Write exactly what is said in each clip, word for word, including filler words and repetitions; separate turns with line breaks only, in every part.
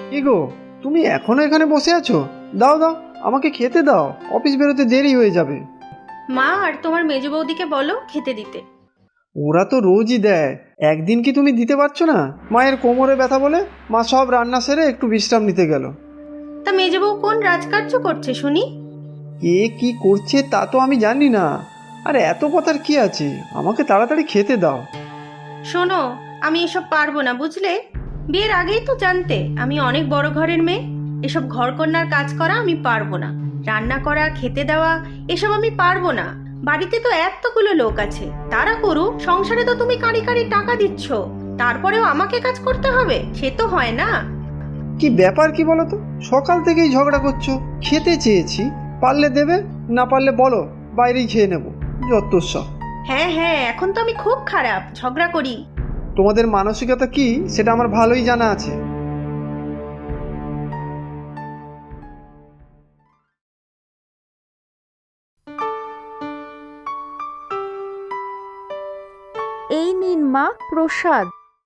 কি গো, তুমি এখনো এখানে বসে আছো? দাও দাও, আমাকে খেতে দাও, অফিস বেরোতে দেরি হয়ে যাবে।
মা আর তোমার মেজ বৌদিকে বলো খেতে দিতে।
ওরা তো রোজই দেয়, একদিন কি তুমি দিতে পারছো না? মায়ের কোমরে ব্যথা বলে মা সব রান্না সেরে একটু বিশ্রাম নিতে গেল।
তা মেজ বউ কোন রাজকার্য করছে শুনি?
কে কি করছে তা তো আমি জানি না। আর এত কথার কি আছে, আমাকে তাড়াতাড়ি খেতে দাও।
শোনো, আমি এসব পারবো না বুঝলে। বিয়ের আগেই তো জানতে আমি অনেক বড় ঘরের মেয়ে। এসব ঘরকন্যার কাজ করা আমি পারবো না। রান্না করা, খেতে দেওয়া, এসব আমি পারবো না। বাড়িতে তো এতগুলো লোক আছে, তারা করুক। সংসারে তো তুমি কাঁড়ি কাঁড়ি টাকা দিচ্ছ, তারপরেও আমাকে কাজ করতে হবে? সে তো হয় না।
কি ব্যাপার কি বলো তো? সকাল থেকেই ঝগড়া করছো। খেতে চেয়েছি, পারলে দেবে, না পারলে বলো বাইরেই খেয়ে নেবো। যত্তসব।
হ্যাঁ হ্যাঁ, এখন তো আমি খুব খারাপ, ঝগড়া করি।
তোমাদের মানসিকতা কি সেটা আমার ভালোই জানা আছে।
এই নিন মা প্রসাদ।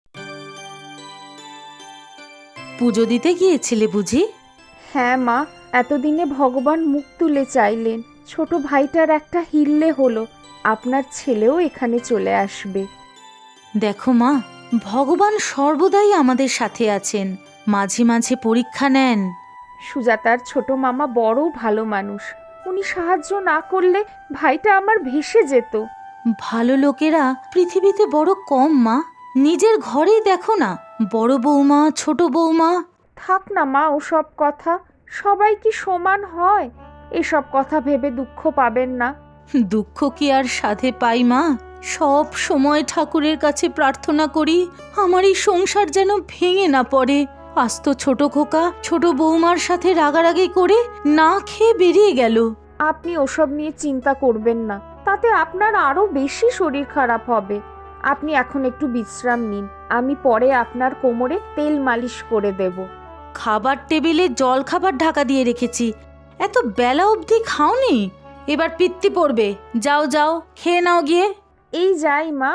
পুজো দিতে গিয়েছিলে বুঝি?
হ্যাঁ মা, এতদিনে ভগবান মুখ তুলে চাইলেন, ছোট ভাইটার একটা হিল্লে হলো, আপনার ছেলেও এখানে চলে আসবে।
দেখো মা, ভগবান সর্বদাই আমাদের সাথে আছেন, মাঝে মাঝে পরীক্ষা নেন।
সুজাতার ছোট মামা বড় ভালো মানুষ, উনি সাহায্য না করলে ভাইটা আমার ভেসে যেত।
ভালো লোকেরা পৃথিবীতে বড় কম মা। নিজের ঘরেই দেখো না, বড় বৌমা, ছোট বৌমা।
থাক না মা ওসব কথা, সবাই কি সমান হয়? এসব কথা ভেবে দুঃখ পাবেন না।
দুঃখ কি আর সাধে পাই মা? সব সময় ঠাকুরের কাছে প্রার্থনা করি আমার এই সংসার যেন ভেঙে না পড়ে। আজ তো ছোট খোকা ছোট বৌমার সাথে রাগারাগি করে না খেয়ে বেরিয়ে গেল।
আপনি ওসব নিয়ে চিন্তা করবেন না, তাতে আপনার আরো বেশি শরীর খারাপ হবে। আপনি এখন একটু বিশ্রাম নিন, আমি পরে আপনার কোমরে তেল মালিশ করে দেব।
খাবার টেবিলে জল খাবার ঢাকা দিয়ে রেখেছি, এত বেলা অবধি খাওনি? এবার পিত্তি পড়বে। যাও যাও, খেয়ে নাও গিয়ে।
এই যাই মা।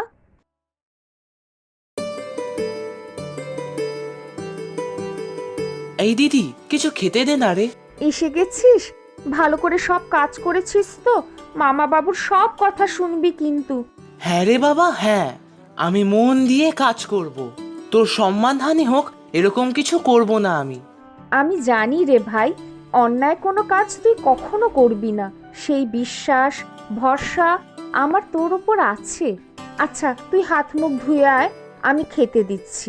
এই দিদি, কিছু খেতে দে না রে।
এসে গেছিস? ভালো করে সব কাজ করেছিস তো? মামা বাবুর সব কথা শুনবি কিন্তু।
হ্যাঁ রে বাবা, হ্যাঁ, আমি মন দিয়ে কাজ করব। তোর সম্মানহানি হোক এরকম কিছু করব না আমি।
আমি জানি রে ভাই, অন্যায় কোনো কাজ তুই কখনো করবি না, সেই বিশ্বাস ভরসা আমার তোর ওপর আছে। আচ্ছা তুই হাত মুখ ধুয়ে আয়, আমি খেতে দিচ্ছি।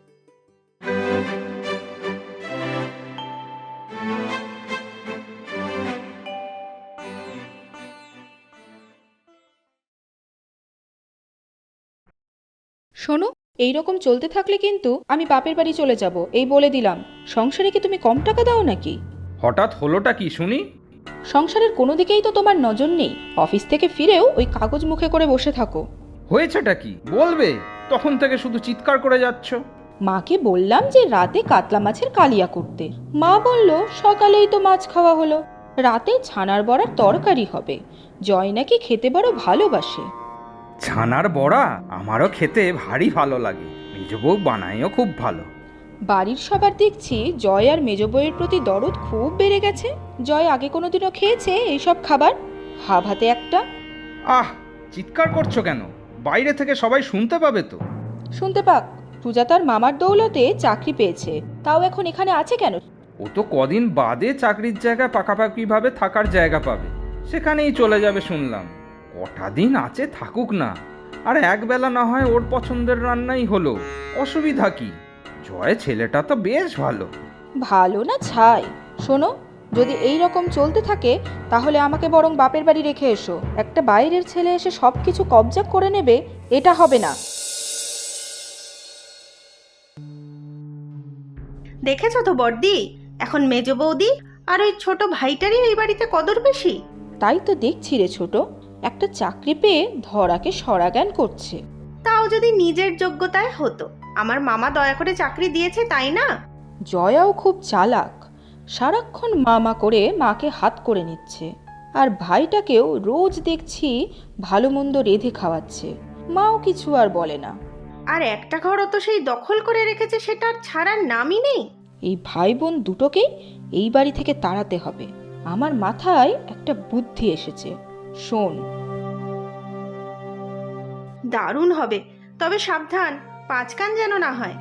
শোনো, এই রকম চলতে থাকলে কিন্তু আমি বাপের বাড়ি চলে যাব, এই বলে দিলাম। সংসারে কি তুমি কম টাকা দাও নাকি?
হঠাৎ হলোটা কি শুনি?
সংসারের কোনো দিকেই তো তোমার নজর নেই, অফিস থেকে ফিরেও ওই কাগজ মুখে করে বসে থাকো।
হয়েছেটা কি বলবে? তখন থেকে শুধু চিৎকার করে যাচ্ছ।
মাকে বললাম যে রাতে কাতলা মাছের কালিয়া করতে, মা বলল সকালেই তো মাছ খাওয়া হলো, রাতে ছানার বড়ার তরকারি হবে। জয় নাকি খেতে বড় ভালোবাসে।
ছানার বড়া আমারও খেতে ভারী ভালো লাগে, মেজ বউ বানায়ও খুব ভালো।
বাড়ির সবার দেখছি জয় আর মেজ বউয়ের প্রতি দরদ খুব বেড়ে গেছে। জয় আগে কোনোদিনও খেয়েছে এইসব খাবার? হাব হাতে একটা।
আহ, চিৎকার করছো কেন? বাইরে থেকে সবাই শুনতে পাবে তো।
শুনতে পাক, সুজাতার মামার দৌলতে চাকরি পেয়েছে, তাও এখন এখানে আছে কেন?
ও তো কদিন বাদে চাকরির জায়গায় পাকাপাকিভাবে থাকার জায়গা পাবে, সেখানেই চলে যাবে শুনলাম। কটা দিন আছে থাকুক না, আর একবেলা না হয় ওর পছন্দের রান্নাই হলো, অসুবিধা কি? জয় ছেলেটা তো বেশ ভালো।
ভালো না ছাই। শোনো, যদি এই রকম চলতে থাকে তাহলে আমাকে বরং বাপের বাড়ি রেখে এসো। একটা বাইরের ছেলে এসে সব কিছু কবজা করে নেবে, এটা হবে না।
দেখেছো তো বড়দি, এখন মেজ বৌদি আর ওই ছোট ভাইটারই এই বাড়িতে কদর বেশি।
তাই তো দেখছি রে ছোট, একটা চাকরি পেয়ে ধরাকে সরাজ্ঞান করছে।
তাও যদি নিজের যোগ্যতায় হতো। আমার মামা দয়া করে চাকরি দিয়েছে তাই না?
জয়াও খুব চালাক, সারাক্ষণ মামা করে মাকে হাত করে নিচ্ছে, আর ভাইটাকেও রোজ দেখছি ভালো মন্দ রেঁধে খাওয়াচ্ছে, মাও কিছু আর বলে না।
আর একটা ঘরও তো সেই দখল করে রেখেছে, সেটা আর ছাড়ার নামই নেই।
এই ভাই বোন দুটোকেই এই বাড়ি থেকে তাড়াতে হবে। আমার মাথায় একটা বুদ্ধি এসেছে, শোন।
দারুণ হবে, তবে সাবধান, পাঁচ কান যেন না হয়।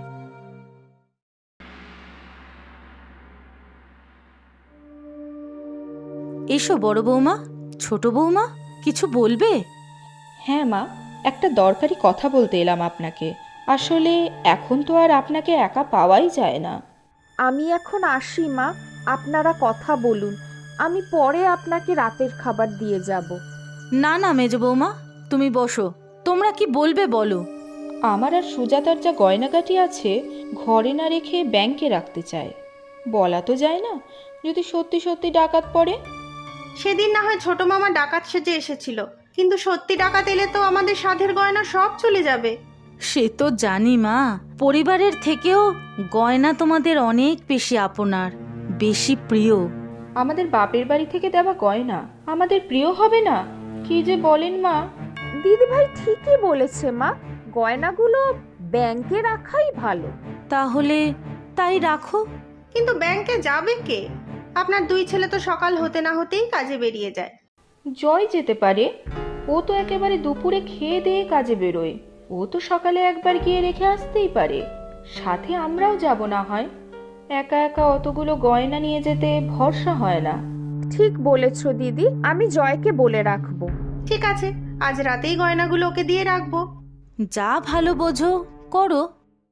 এসো বড় বৌমা, ছোট বৌমা, কিছু বলবে?
হ্যাঁ মা, একটা দরকারি কথা বলতে এলাম আপনাকে। আসলে এখন তো আর আপনাকে একা পাওয়াই যায় না।
আমি এখন আসি মা, আপনারা কথা বলুন, আমি পরে আপনাকে রাতের খাবার দিয়ে যাব।
না না মেজ বৌমা, তুমি বসো, তোমরা কি বলবে বলো।
আমার আর সুজাতার যা গয়নাগাটি আছে ঘরে না রেখে ব্যাংকে রাখতে চায়। বলা তো যায় না, যদি সত্যি সত্যি ডাকাত পড়ে।
সেদিন না হয় ছোট মামা ডাকাত সেজে এসেছিল, কিন্তু সত্যি ডাকাত এলে তো আমাদের সাধের গয়না সব চলে যাবে।
সে তো জানি মা, পরিবারের থেকেও গয়না তোমাদের অনেক বেশি আপনার, বেশি প্রিয়।
আমাদের বাপের বাড়ি থেকে দেওয়া গয়না আমাদের প্রিয় হবে না? কি যে বলেন মা।
দিদি ভাই ঠিকই বলেছে মা, গয়নাগুলো ব্যাংকে রাখাই ভালো।
তাহলে তাই রাখো।
কিন্তু ব্যাংকে যাবে কে? আপনার দুই ছেলে তো সকাল হতে না হতেই কাজে বেরিয়ে যায়।
জয় যেতে পারে, ও তো একেবারে দুপুরে খেয়ে দিয়ে কাজে বেরোয়। ও তো সকালে একবার গিয়ে রেখে আসতেই পারে। সাথে আমরাও যাব না হয়। একা একা অতগুলো গয়না নিয়ে যেতে ভরসা হয় না।
ঠিক বলেছো দিদি, আমি জয়কে বলে রাখবো।
ঠিক আছে, আজ রাতেই গয়নাগুলো ওকে দিয়ে রাখবো।
যা ভালো বোঝো করো।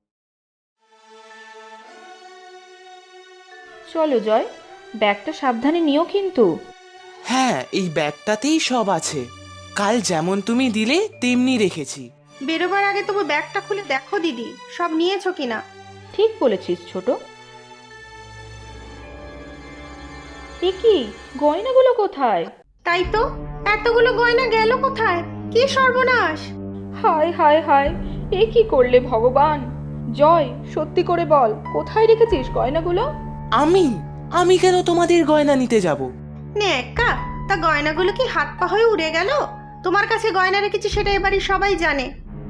চলো জয়, ব্যাগটা সাবধানে নিও কিন্তু।
হ্যাঁ, এই ব্যাগটাতেই সব আছে। কাল যেমন তুমি দিলে তেমনি রেখেছি।
বেরোবার আগে তবু ব্যাগটা খুলে দেখো দিদি, সব নিয়েছো কিনা।
ঠিক বলেছিস ছোট। এ কি, গয়নাগুলো কোথায়?
তাই তো, এতগুলো গয়না গেল কোথায়? কি সর্বনাশ!
হায় হায় হায়, এ কি করলে ভগবান! জয়, সত্যি করে বল, কোথায় রেখেছিস গয়নাগুলো?
আমি আমি কেন তোমাদের গয়না নিতে যাব?
নে একা, তা গয়নাগুলো কি হাত পা হয়ে উড়ে গেল? তোমার কাছে গয়না রেখেছি সেটা এবারই সবাই জানে।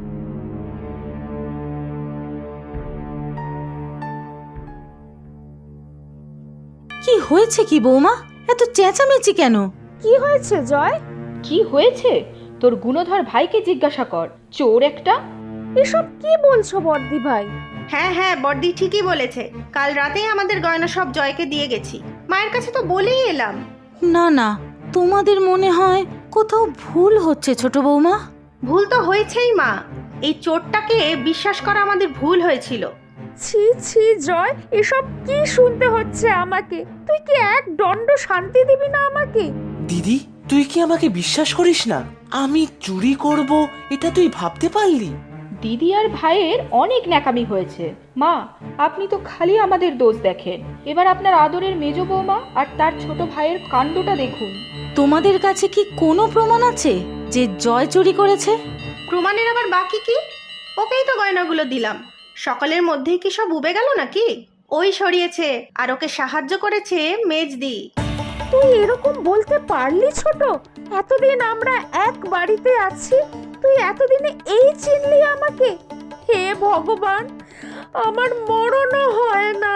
কি হয়েছে কি বৌমা, এত চেঁচামেচি কেন?
কি হয়েছে জয়?
কি হয়েছে? তোর গুণধর ভাইকে জিজ্ঞাসা কর, চোর একটা।
এসব কি বলছো বর্দি ভাই?
হ্যাঁ হ্যাঁ, বড়দি ঠিকই বলেছে। কাল রাতেই আমাদের গয়না সব জয়কে দিয়ে গেছি। মায়ের কাছে তো বলেই এলাম।
না না, তোমাদের মনে হয় কোথাও ভুল হচ্ছে ছোট বৌমা।
ভুল তো হয়েছেই মা, এই চোরটাকে বিশ্বাস করা আমাদের ভুল হয়েছিল।
ছি ছি জয়, এসব কি শুনতে হচ্ছে আমাকে? তুই কি এক দণ্ড শান্তি দিবি না আমাকে?
দিদি, তুই কি আমাকে বিশ্বাস করিস না? আমি চুরি করব এটা তুই ভাবতে পারলি?
দিদি আর ভাইয়ের অনেক ন্যাকামি হয়েছে। মা, আপনি তো খালি আমাদের দোষ দেখেন। এবার আপনার আদরের মেজ বৌমা আর তার ছোট ভাইয়ের কাণ্ডটা দেখুন।
তোমাদের কাছে কি কোনো প্রমাণ আছে যে জয় চুরি করেছে?
প্রমাণের আবার বাকি কি? ওকেই তো গয়নাগুলো দিলাম। সকালের মধ্যেই কি সব উবে গেল নাকি? ওই সরিয়েছে আর ওকে সাহায্য করেছে মেজদি।
তুই এরকম বলতে পারলি ছোট? এতদিন আমরা এক বাড়িতে আছি, তুই এতদিনে এই চিনলি আমাকে? হে ভগবান, আমার মরণও হয় না।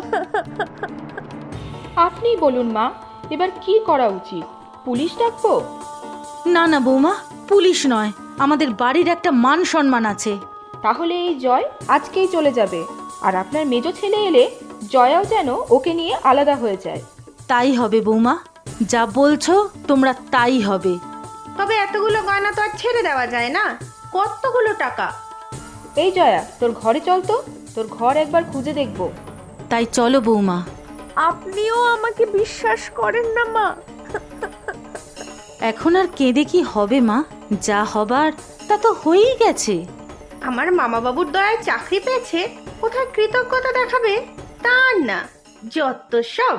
আপনিই বলুন মা, এবার কি করা উচিত? পুলিশ ডাকবো?
না না বৌমা, পুলিশ নয়, আমাদের বাড়ির একটা মান সম্মান আছে।
তাহলে এই জয় আজকেই চলে যাবে, আর আপনার মেজ ছেলে এলে জয়াও যেন ওকে নিয়ে আলাদা হয়ে যায়।
তাই হবে বৌমা, যা বলছো তোমরা তাই হবে।
তবে এতগুলো গয়না তো আর ছেড়ে দেওয়া যায় না। কতগুলো টাকা!
এই জয়া, তোর ঘরে চল তো, তোর ঘর একবার খুঁজে দেখবো।
তাই চলো বৌমা।
আপনিও আমাকে বিশ্বাস করেন না মা?
এখন আর কেঁদে কি হবে মা? যা হবার তা তো হয়েই গেছে।
আমার মামা বাবুর দয়ায় চাকরি পেয়েছে, কোথায় কৃতজ্ঞতা দেখাবে? তা না, যত সব।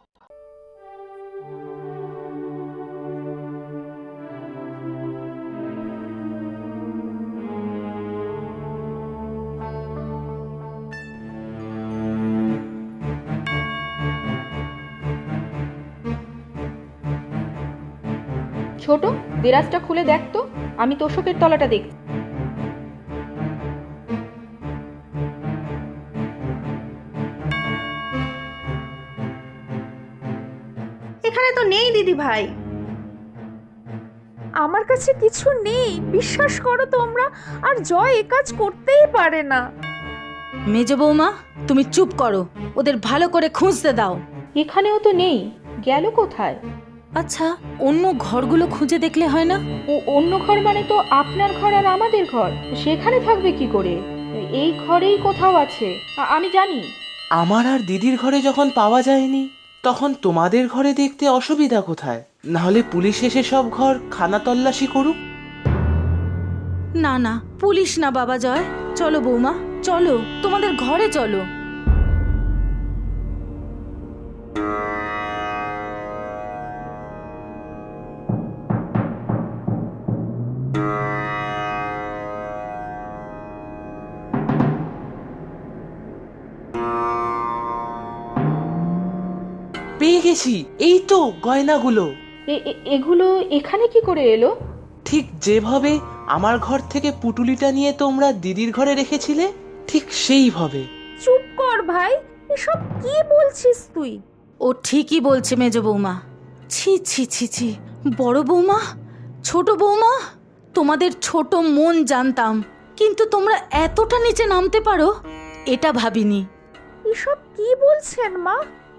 ছোট, দেরাজটা খুলে দেখ তো, আমি তোষকের তলাটা দেখছি।
এখানে তো নেই দিদি ভাই।
আমার কাছে কিছু নেই, বিশ্বাস করো তোমরা। আর জয় এ কাজ করতেই পারে না।
মেজ বৌমা, তুমি চুপ করো, ওদের ভালো করে খুঁজতে দাও।
এখানেও তো নেই, গেল কোথায়?
আচ্ছা, অন্য ঘরগুলো খুঁজে দেখলে হয় না?
ও অন্য ঘর মানে তো আপনার ঘর আর আমাদের ঘর, সেখানে থাকবে কি করে? এই ঘরেই কোথাও আছে, আ- আমি জানি।
আমার আর দিদির ঘরে যখন পাওয়া যায়নি, তখন তোমাদের ঘরে দেখতে অসুবিধা কোথায়? নাহলে পুলিশ এসে সব ঘর খানা তল্লাশি করুক।
না না, পুলিশ না বাবা জয়, চলো বৌমা, চলো তোমাদের ঘরে চলো।
পেয়ে গেছি, এই তো গয়নাগুলো।
এ- এ- এগুলো এখানে কি করে এলো?
ঠিক যেভাবে আমার ঘর থেকে পুটুলিটা নিয়ে তোমরা দিদির ঘরে রেখেছিলে, ঠিক সেইভাবে।
চুপ কর ভাই, এসব কি বলছিস তুই?
ও ঠিকই বলছে মেজ বৌমা। ছি ছি ছি ছি, বড় বৌমা, ছোট বৌমা, তোমাদের ছোট মন জানতাম, কিন্তু তোমরা এতটা নিচে নামতে পারো এটা ভাবিনি।
এসব কি বলছেন মা?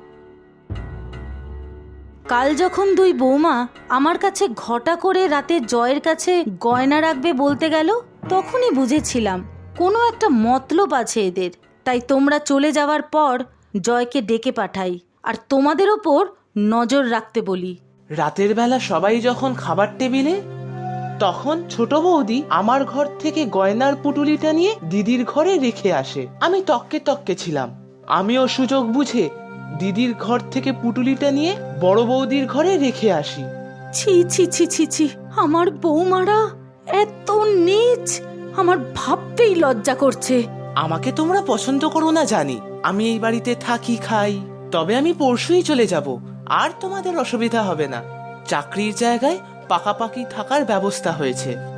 কাল যখন দুই বৌমা আমার কাছে ঘটা করে রাতে জয়ের কাছে গয়না রাখবে বলতে গেল, তখনই বুঝেছিলাম কোনো একটা মতলব আছে এদের। তাই তোমরা চলে যাওয়ার পর জয়কে ডেকে পাঠাই আর তোমাদের ওপর নজর রাখতে বলি।
রাতের বেলা সবাই যখন খাবার টেবিলে, তখন ছোট বৌদি আমার ঘর থেকে গয়নার পুটুলিটা নিয়ে দিদির ঘরে রেখে আসে। আমি তককে তককে ছিলাম। আমিও সুযোগ বুঝে দিদির ঘর থেকে পুটুলিটা নিয়ে বড় বৌদির ঘরে রেখে আসি।
ছি ছি ছি ছি ছি, আমার বৌমারা এত নীচ, আমার ভাবতেই লজ্জা করছে।
আমাকে তোমরা পছন্দ করো না জানি, আমি এই বাড়িতে থাকি খাই, তবে আমি পরশুই চলে যাব, আর তোমাদের অসুবিধা হবে না। চাকরির জায়গায় পাকাপাকি থাকার ব্যবস্থা হয়েছে।